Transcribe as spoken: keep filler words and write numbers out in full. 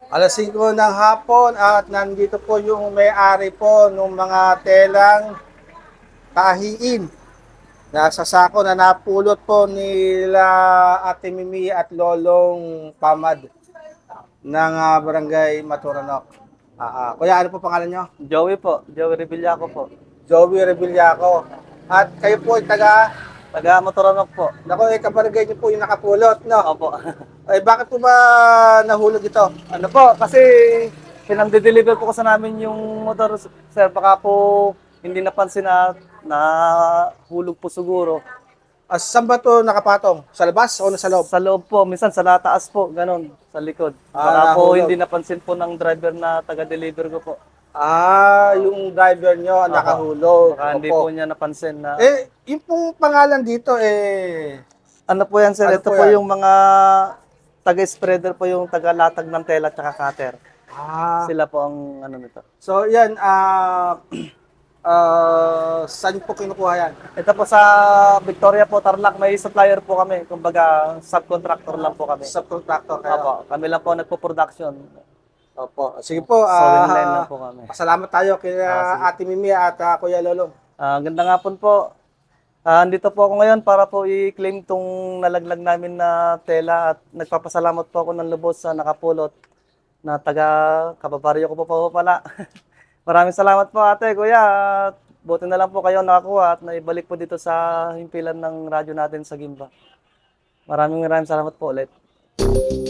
alas singko ng hapon at nandito po yung may-ari po ng mga telang tahiin na sa sako na napulot po nila Ate Mimi at Lolong Pamad ng ah, Barangay Maturanok. Ah, ah. Kuya, ano po pangalan nyo? Joey po, Joey Revillaco po. Joey Revillaco. At kayo po ay taga, Taga Motoronok po. naku, eh, kabarangay nyo po yung nakapulot, no? Opo. Ay, bakit po ba nahulog ito? Ano po, kasi pinang-deliver po kasi namin yung motor, sir. Baka po hindi napansin na nahulog po siguro. Ah, saan ba ito nakapatong? Sa labas o nasa loob? Sa loob po, minsan sa nataas po, ganun, sa likod. Ah, Baka po nahulog. hindi napansin po ng driver na taga-deliver ko po. Ah, yung driver nyo ang Opo. nakahulog. Baka hindi po Opo. niya napansin na... Eh, yung pong pangalan dito, eh, Ano po yan, sir? ano Ito po po yan? yung mga taga-spreader po, yung taga-latag ng tela at cutter. Ah, Sila po ang ano nito. so yan, ah, ah, saan po kinukuha yan? Ito po sa Victoria po, Tarlac, may supplier po kami. Kumbaga, subcontractor lang po kami. Subcontractor kayo. Opo, kami lang po nagpo-production. Opo. Sige po, Sewing line lang ah, po kami. pasalamat tayo kay Ah, sige. Ate Mimi at ah, Kuya Lolong. Ah, ganda nga po po. Ah, andito po ako ngayon para po i-claim tong nalaglag namin na tela at nagpapasalamat po ako ng lubos sa nakapulot na taga kababaryo ko po po pala. Maraming salamat po ate, kuya. At buti na lang po kayo nakakuha at naibalik po dito sa himpilan ng radyo natin sa Gimba. Maraming maraming salamat po ulit.